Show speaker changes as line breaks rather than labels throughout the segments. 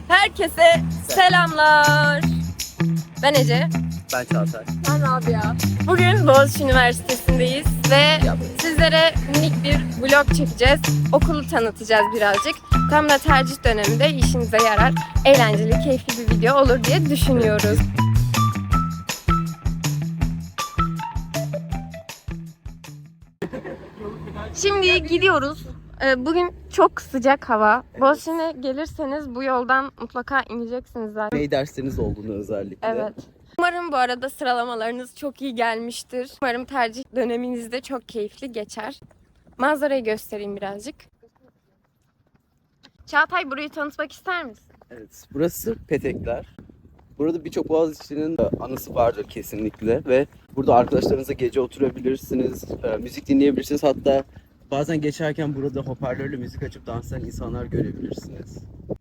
Herkese selamlar. Ben Ece.
Ben Çağatay.
Ben Rabia. Bugün Boğaziçi Üniversitesi'ndeyiz ve sizlere minik bir vlog çekeceğiz. Okulu tanıtacağız birazcık. Tam da tercih döneminde işinize yarar, eğlenceli, keyifli bir video olur diye düşünüyoruz. Şimdi gidiyoruz. Bugün çok sıcak hava. Boğaziçi'ne gelirseniz bu yoldan mutlaka ineceksiniz zaten.
Ney dersleriniz olduğunu özellikle.
Evet. Umarım bu arada sıralamalarınız çok iyi gelmiştir. Umarım tercih döneminiz de çok keyifli geçer. Manzarayı göstereyim birazcık. Çağatay, burayı tanıtmak ister misin?
Evet. Burası Petekler. Burada birçok Boğaziçi'nin anısı vardır kesinlikle ve burada arkadaşlarınızla gece oturabilirsiniz, müzik dinleyebilirsiniz. Hatta bazen geçerken burada hoparlörle müzik açıp dans eden insanlar görebilirsiniz.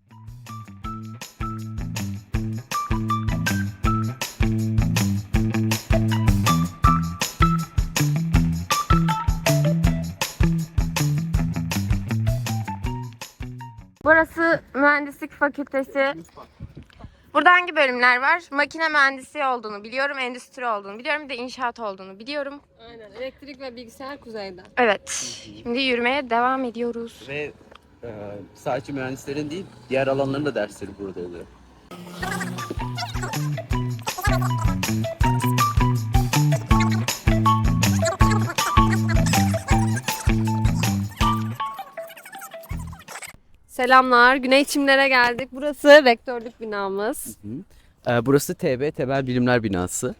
Burası Mühendislik Fakültesi. Burada hangi bölümler var? Makine mühendisi olduğunu biliyorum, endüstri olduğunu biliyorum, bir de inşaat olduğunu biliyorum.
Aynen. Elektrik ve bilgisayar kuzeyde.
Evet. Şimdi yürümeye devam ediyoruz.
Ve sadece mühendislerin değil, diğer alanların da dersleri burada oluyor.
Selamlar. Güney Çimler'e geldik. Burası rektörlük binamız.
Burası TB, Temel Bilimler Binası.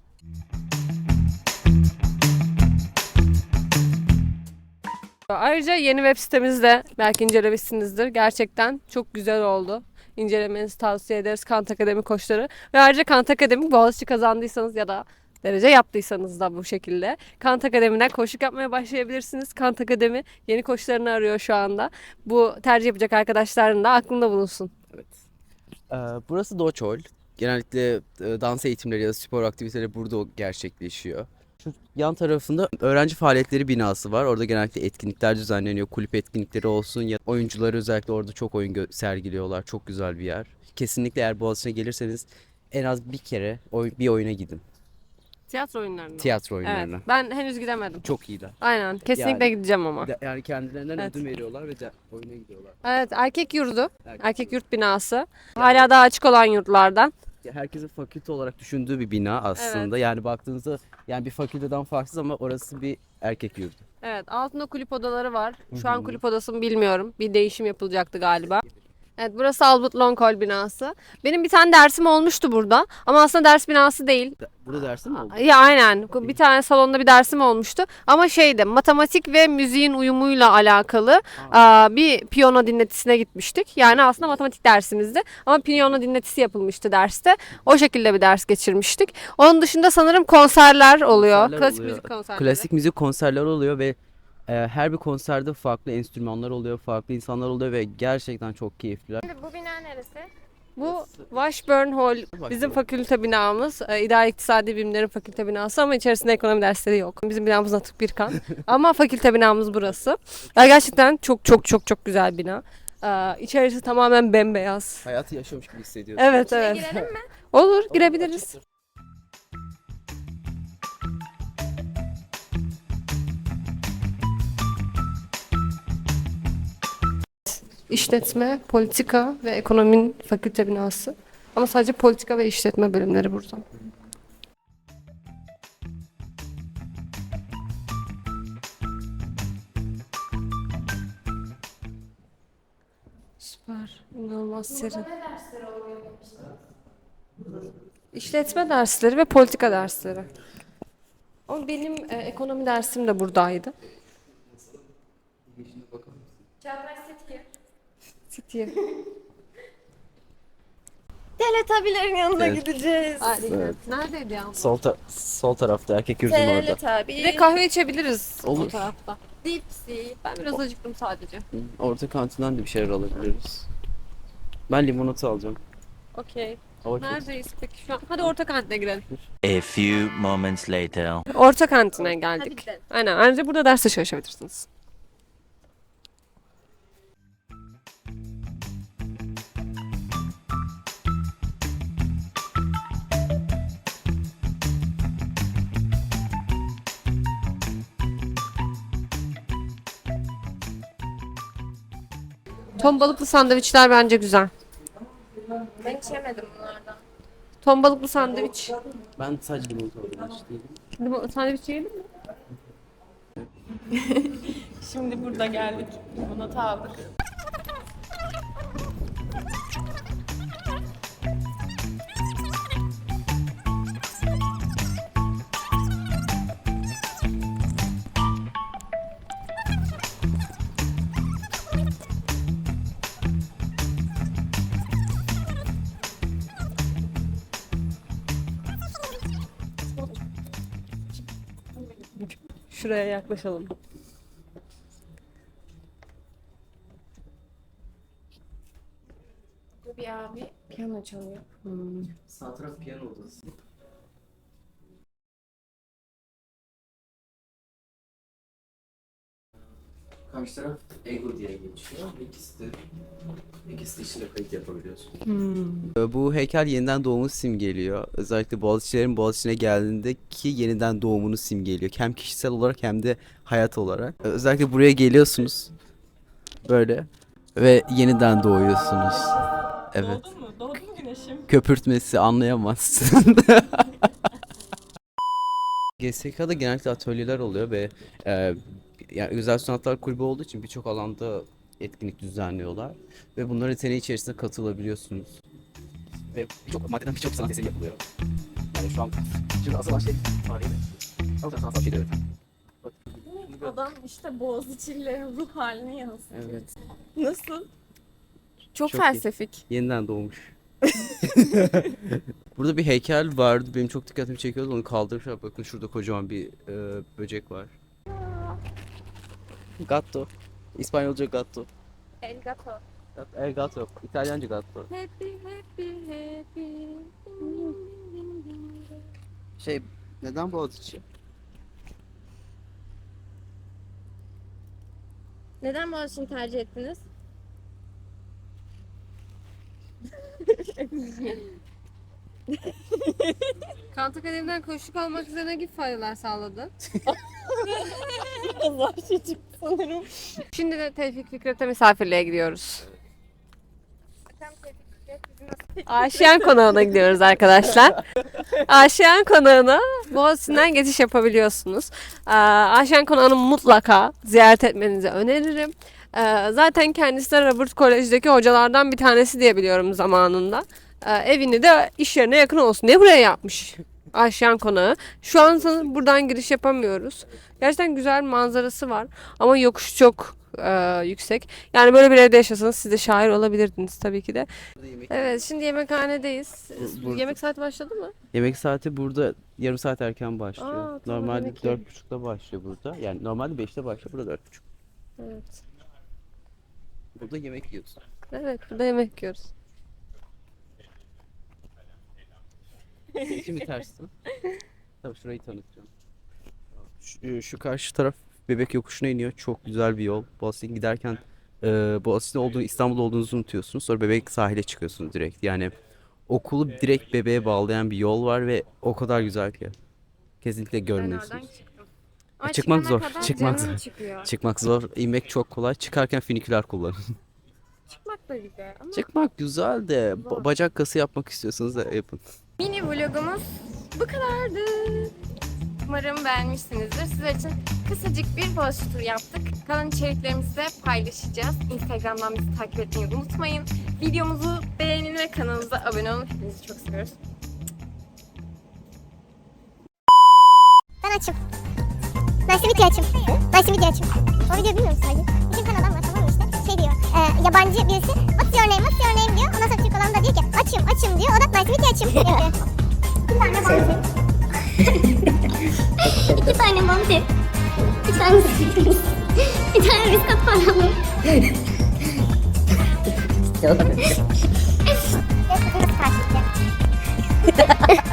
Ayrıca yeni web sitemizi de belki incelemişsinizdir. Gerçekten çok güzel oldu. İncelemenizi tavsiye ederiz Kant Akademi koçları. Ve ayrıca Kant Akademi Boğaziçi kazandıysanız ya da derece yaptıysanız da bu şekilde Kant Akademi'den koçluk yapmaya başlayabilirsiniz. Kant Akademi yeni koçlarını arıyor şu anda. Bu tercih yapacak arkadaşların da aklında bulunsun.
Evet. Burası Doçol. Genellikle dans eğitimleri ya da spor aktiviteleri burada gerçekleşiyor. Şu yan tarafında öğrenci faaliyetleri binası var. Orada genellikle etkinlikler düzenleniyor. Kulüp etkinlikleri olsun ya oyuncuları özellikle orada çok oyun sergiliyorlar. Çok güzel bir yer. Kesinlikle eğer Boğaziçi'ne gelirseniz en az bir kere bir oyuna gidin.
Tiyatro oyunlarına.
Tiyatro oyunlarına.
Evet, ben henüz gidemedim.
Çok iyiler.
Aynen. Kesinlikle
Yani-
gideceğim ama.
Yani kendilerinden
Evet.
ödün veriyorlar ve oyuna gidiyorlar.
Evet, erkek yurdu.
Erkek
Erkek yurt binası. Hala daha açık olan yurtlardan.
Herkesin fakülte olarak düşündüğü bir bina aslında. Yani baktığınızda yani bir fakülteden farksız ama orası bir erkek yurdu.
Evet, altında kulüp odaları var. Şu an kulüp odası mı bilmiyorum. Bir değişim yapılacaktı galiba. Evet, burası Albert Long Hall binası. Benim bir tane dersim olmuştu burada. Ama aslında ders binası değil.
Burada dersin mi oldu?
Ya aynen. Bir tane salonda bir dersim olmuştu. Ama şeydi, matematik ve müziğin uyumuyla alakalı bir piyano dinletisine gitmiştik. Yani aslında matematik dersimizdi. Ama piyano dinletisi yapılmıştı derste. O şekilde bir ders geçirmiştik. Onun dışında sanırım konserler oluyor.
Konserler
Klasik
oluyor.
müzik konserleri.
Klasik müzik konserleri oluyor ve her bir konserde farklı enstrümanlar oluyor, farklı insanlar oluyor ve gerçekten çok keyifliler.
Şimdi bu bina neresi?
Bu Washburn Hall bizim fakülte binamız. İdare İktisadi Bilimlerin fakülte binası ama içerisinde ekonomi dersleri yok. Bizim binamız Atık Birkan. Ama fakülte binamız burası. Gerçekten çok çok çok çok güzel bina. İçerisi tamamen bembeyaz.
Hayatı yaşamış gibi hissediyorsun.
Evet evet.
Girelim mi?
Olur, girebiliriz. İşletme, politika ve ekonominin fakülte binası. Ama sadece politika ve işletme bölümleri burada. Süper. İnanılmaz serin.
Ne dersleri oluyor?
İşletme dersleri ve politika dersleri. Ama benim ekonomi dersim de buradaydı.
Çağatay Setki.
City'ye.
Teletabilerin yanına
Evet.
gideceğiz.
Evet.
Neredeydi ya?
Sol tarafta erkek yurdun orada.
Teletabi.
Bir de kahve içebiliriz
Olur.
o tarafta.
Dipsi.
Ben biraz acıktım sadece.
Orta kantinden de bir şeyler alabiliriz. Ben limonata alacağım.
Okey.
Hava çok
Neredeyiz peki şu an? Hadi orta kantine girelim.
A few moments later.
Orta kantine geldik.
Hadi gidelim.
Aynen. Ayrıca burada ders de çalışabilirsiniz. Ton balıklı sandviçler bence güzel.
Ben hiç yemedim bunlardan.
Ton balıklı sandviç.
Ben sadece limonata aldım. Hiç değilim.
Sandviç yedin mi?
Şimdi burada geldik. Limonata aldık.
Şuraya yaklaşalım.
Bu bir abi piyano çalıyor.
Sağ taraf piyano odası. Karşı taraf Ego diye geçiyor. İkisi de içinde kayıt yapabiliyorsun. Bu heykel yeniden doğumu simgeliyor. Özellikle Boğaziçi'lerin Boğaziçi'ne geldiğindeki yeniden doğumunu simgeliyor. Hem kişisel olarak hem de hayat olarak. Özellikle buraya geliyorsunuz. Böyle. Ve yeniden doğuyorsunuz. Evet.
Doğdun mu? Doğdun mu güneşim?
Köpürtmesi anlayamazsın. GSK'da genellikle atölyeler oluyor ve yani Güzel Sanatlar Kulübü olduğu için birçok alanda etkinlik düzenliyorlar ve bunların yeteneği içerisinde katılabiliyorsunuz. Ve birçok maddeden birçok sanat eseri yapılıyor. Yani şu an şimdi asıl şey tarihi de sanatsal şeyler evet.
Adam işte Boğaziçi'lilerin ruh halini yansıtıyor.
Evet.
Nasıl? Çok
Çok iyi.
felsefik.
Yeniden doğmuş. Burada bir heykel vardı. Benim çok dikkatimi çekiyordu. Onu kaldırmışlar. Bakın şurada kocaman bir böcek var. Gatto. İspanyolca gatto.
El gato.
El gatto. İtalyanca gatto.
Happy happy happy.
Neden Boğaziçi?
Neden Boğaziçi'ni tercih ettiniz?
Kant Akademi'den koşuk almak üzere ne gibi faydalar sağladı?
Zor şey çıktı sanırım.
Şimdi de Tevfik Fikret'e misafirliğe gidiyoruz. Aşiyan Konağı'na gidiyoruz arkadaşlar. Aşiyan Konağı'na Boğaziçi'nden geçiş yapabiliyorsunuz. Aşiyan Konağı'nı mutlaka ziyaret etmenizi öneririm. Zaten kendisi de Robert Kolej'deki hocalardan bir tanesi diye biliyorum zamanında. Evini de iş yerine yakın olsun diye buraya yapmış. Aşiyan Konağı. Şu an sanırım buradan giriş yapamıyoruz. Gerçekten güzel manzarası var. Ama yokuş çok yüksek. Yani böyle bir evde yaşasanız siz de şair olabilirdiniz tabii ki de. Evet, şimdi yemekhanedeyiz.
Burada.
Yemek saati başladı mı?
Yemek saati burada yarım saat erken başlıyor.
Aa, tamam,
Normalde
yemek yiyelim.
4.30'da başlıyor burada. Yani normalde 5'te başlıyor. Burada 4.30.
Evet.
Burada yemek yiyorsun.
Evet, burada yemek yiyoruz.
Şimdi tersi. Tabii şurayı tanıtacağım. Şu karşı taraf Bebek Yokuşu'na iniyor. Çok güzel bir yol. Boğaziçi'ne giderken Boğaziçi'nde olduğunu, İstanbul'da olduğunuzu unutuyorsunuz. Sonra Bebek sahile çıkıyorsunuz direkt. Yani okulu direkt Bebek'e bağlayan bir yol var ve o kadar güzel ki. Kesinlikle
Ben oradan
görmüyorsunuz.
çıktım. Ama
Çıkmak
çıkana
zor,
kadar
çıkmak
canım
zor.
çıkıyor.
Çıkmak zor, inmek çok kolay. Çıkarken finiküler kullanın.
Çıkmak da güzel ama
Çıkmak güzel de
Zor.
bacak kası yapmak istiyorsanız da yapın.
mini vlogumuz bu kadardı. Umarım beğenmişsinizdir. Sizler için kısacık bir Boğaziçi turu yaptık. Kalan içeriklerimizi de paylaşacağız. Instagram'dan bizi takip etmeyi unutmayın. Videomuzu beğenin ve kanalımıza abone olun. Hepinizi çok seviyoruz.
Ben açım. Nice video açım. Nice video açım. O videoyu bilmiyor musun sadece? İki tane adam var tamam mı işte? Şey diyor. Yabancı birisi. What's your name diyor. Ondan sonra Türk adam da diyor ki açım diyor. O da nice video açım diyor. İki tane vampir. İki tane vampir. Bir tane bir tane riskat paralı. Nasıl karşılayacak?